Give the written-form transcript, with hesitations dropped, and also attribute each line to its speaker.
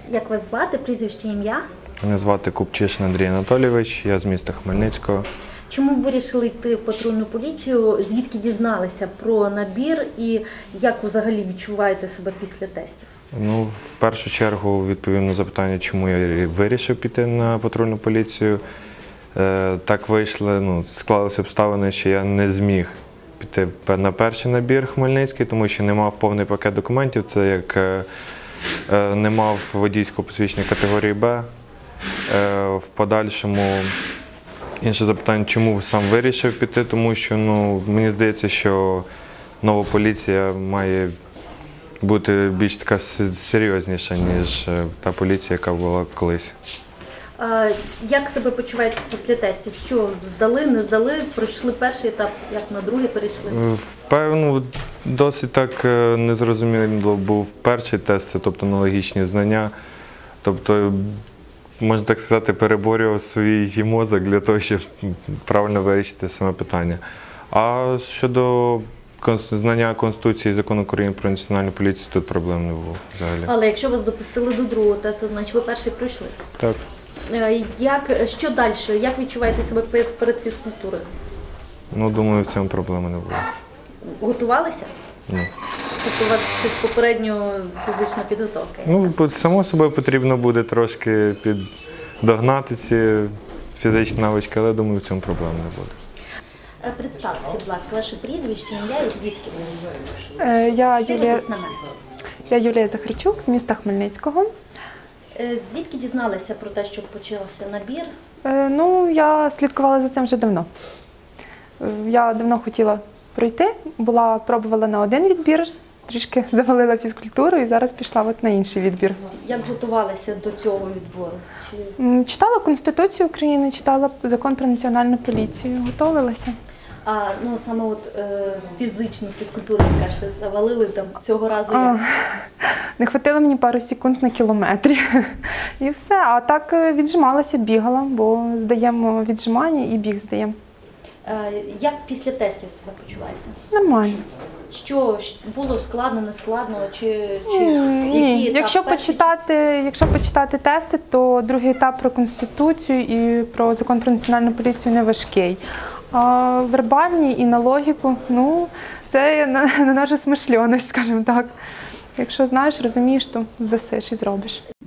Speaker 1: Як вас звати, прізвище, ім'я?
Speaker 2: Мене звати Купчишин Андрій Анатолійович, я з міста Хмельницького.
Speaker 1: Чому ви вирішили йти в патрульну поліцію? Звідки дізналися про набір і як взагалі відчуваєте себе після тестів?
Speaker 2: Ну, в першу чергу відповім на запитання, чому я вирішив піти на патрульну поліцію. Так вийшло, склалися обставини, що я не зміг піти на перший набір Хмельницький, тому що не мав повний пакет документів. Це як не мав водійського посвідчення категорії Б. В подальшому інше запитання, чому сам вирішив піти, тому що мені здається, що нова поліція має бути більш така серйозніша, ніж та поліція, яка була колись.
Speaker 1: Як себе почуваєте після тестів? Що, здали, не здали, пройшли перший етап, як на другий перейшли?
Speaker 2: Впевнено, досить так незрозуміло був перший тест, це тобто аналогічні знання. Тобто, можна так сказати, переборював свій мозок для того, щоб правильно вирішити саме питання. А щодо знання Конституції і Закону України про національну поліцію, тут проблем не було взагалі.
Speaker 1: Але якщо вас допустили до другого тесту, значить ви перший пройшли?
Speaker 2: Так.
Speaker 1: Що далі? Як відчуваєте себе перед фізкультурою?
Speaker 2: Думаю, в цьому проблеми не було.
Speaker 1: Готувалися?
Speaker 2: Ні.
Speaker 1: Тобто у вас ще з попередньої фізична підготовка?
Speaker 2: Само собою потрібно буде трошки піддогнати ці фізичні навички, але думаю, в цьому проблем не буде.
Speaker 1: Представтеся, будь ласка, ваше прізвище, ім'я і звідки ви?
Speaker 3: Я Юлія Захарчук з міста Хмельницького.
Speaker 1: Звідки дізналися про те, що почався набір?
Speaker 3: Я слідкувала за цим вже давно. Я давно хотіла пройти, пробувала на один відбір, трішки завалила фізкультуру і зараз пішла на інший відбір.
Speaker 1: Як готувалися до цього відбору?
Speaker 3: Читала Конституцію України, читала Закон про національну поліцію, готувалася.
Speaker 1: А саме фізичну фізкультуру, ви кажете, завалили там цього разу?
Speaker 3: Не хватило мені пару секунд на кілометрі. І все. А так віджималася, бігала, бо здаємо віджимання і біг здаємо.
Speaker 1: Як після тестів себе почуваєте?
Speaker 3: Нормально.
Speaker 1: Що було складно, не складно?
Speaker 3: Ні. Якщо почитати тести, то другий етап про Конституцію і про Закон про національну поліцію не важкий. А вербальні і на логіку, це на нашу смишльоність, скажімо так. Якщо знаєш, розумієш, то здасиш і зробиш.